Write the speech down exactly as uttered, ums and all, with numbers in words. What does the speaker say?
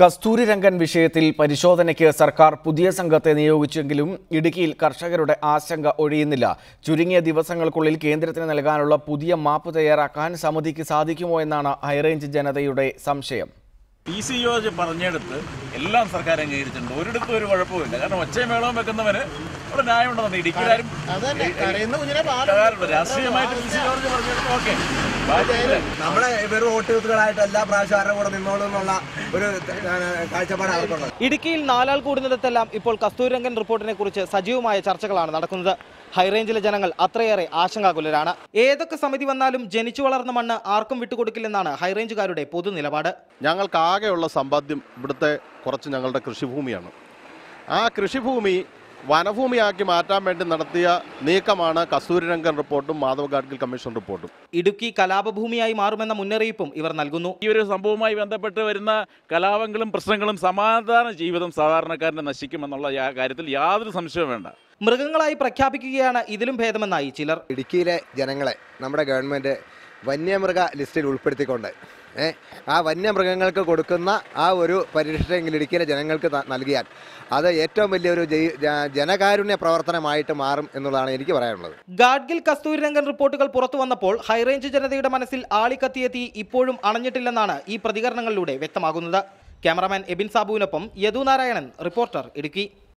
കസ്തൂരിരംഗൻ വിഷയത്തിൽ പരിശോധനയ്ക്ക് സർക്കാർ പുതിയ സംഘത്തെ നിയോഗിച്ചെങ്കിലും ഇടുക്കിയിൽ കർഷകരുടെ ആശങ്ക ഒഴിയുന്നില്ല. ചുരുങ്ങിയ ദിവസങ്ങൾക്കുള്ളിൽ കേന്ദ്രത്തിന് നൽകാനുള്ള പുതിയ മാപ്പ് തയ്യാറാക്കാൻ സമിതിക്ക് സാധിക്കുമോ എന്നാണ് ഹൈറേഞ്ച് ജനതയുടെ സംശയം. പി സി ജോർജ് പറഞ്ഞെടുത്ത് എല്ലാം സർക്കാർ അംഗീകരിച്ചിട്ടുണ്ട്. ഒരിടത്തും ഒരു കുഴപ്പമില്ല. കാരണം ഒച്ചയും മേളവും വെക്കുന്നവന് അവിടെ ന്യായമുണ്ടെന്ന് ഇടുക്കിയിലാരും രാഷ്ട്രീയമായിട്ട് പി സി ജോർജ് പറഞ്ഞെടുത്ത് ഓക്കെ നമ്മളെ ഇവർ വോട്ടുകളായിട്ട് എല്ലാ പ്രാവശ്യം കൂടെ നിന്നോളൂ എന്നുള്ള ഒരു കാഴ്ചപ്പാട് അവർക്കുള്ളത്. ഇടുക്കിയിൽ നാലാൾ കൂടുന്നിടത്തെല്ലാം ഇപ്പോൾ കസ്തൂരിരംഗൻ റിപ്പോർട്ടിനെ കുറിച്ച് സജീവമായ ചർച്ചകളാണ് നടക്കുന്നത്. ഹൈറേഞ്ചിലെ ജനങ്ങൾ അത്രയേറെ ആശങ്കാകുലരാണ്. ഏതൊക്കെ സമിതി വന്നാലും ജനിച്ചു വളർന്ന മണ്ണ് ആർക്കും വിട്ടുകൊടുക്കില്ലെന്നാണ് ഹൈറേഞ്ചുകാരുടെ പൊതു നിലപാട്. ഞങ്ങൾക്ക് ആകെയുള്ള സമ്പാദ്യം ഇവിടുത്തെ കുറച്ച് ഞങ്ങളുടെ കൃഷിഭൂമിയാണ്. ആ കൃഷിഭൂമി വനഭൂമിയാക്കി മാറ്റാൻ വേണ്ടി നടത്തിയ നീക്കമാണ് കസ്തൂരിരംഗൻ റിപ്പോർട്ടും മാധവ് ഗാഡ്ഗിൽ കമ്മീഷൻ റിപ്പോർട്ടും. ഇടുക്കി കലാപഭൂമിയായി മാറുമെന്ന മുന്നറിയിപ്പും ഇവർ നൽകുന്നു. ഈ ഒരു സംഭവവുമായി ബന്ധപ്പെട്ട് വരുന്ന കലാപങ്ങളും പ്രശ്നങ്ങളും സമാധാന ജീവിതം സാധാരണക്കാരനെ നശിക്കുമെന്നുള്ള കാര്യത്തിൽ യാതൊരു സംശയവും വേണ്ട. മൃഗങ്ങളായി പ്രഖ്യാപിക്കുകയാണ് ഇതിലും ഭേദമെന്നായി ചിലർ. ഇടുക്കിയിലെ ജനങ്ങളെ നമ്മുടെ ഗവൺമെൻറ് വന്യമൃഗ ലിസ്റ്റിൽ ഉൾപ്പെടുത്തിക്കൊണ്ട് ഏഹ് ആ വന്യമൃഗങ്ങൾക്ക് കൊടുക്കുന്ന ആ ഒരു പരിരക്ഷയെങ്കിലും ഇടുക്കിയിലെ ജനങ്ങൾക്ക് നൽകിയാൽ അത് ഏറ്റവും വലിയൊരു ജനകാരുണ്യ പ്രവർത്തനമായിട്ട് മാറും എന്നുള്ളതാണ് എനിക്ക് പറയാനുള്ളത്. ഗാഡ്ഗിൽ കസ്തൂരിരംഗൻ റിപ്പോർട്ടുകൾ പുറത്തു വന്നപ്പോൾ ഹൈറേഞ്ച് ജനതയുടെ മനസ്സിൽ ആളിക്കത്തിയ തീ ഇപ്പോഴും അണഞ്ഞിട്ടില്ലെന്നാണ് ഈ പ്രതികരണങ്ങളിലൂടെ വ്യക്തമാകുന്നത്. ക്യാമറാമാൻ എബിൻ സാബുവിനൊപ്പം യദു നാരായണൻ, റിപ്പോർട്ടർ, ഇടുക്കി.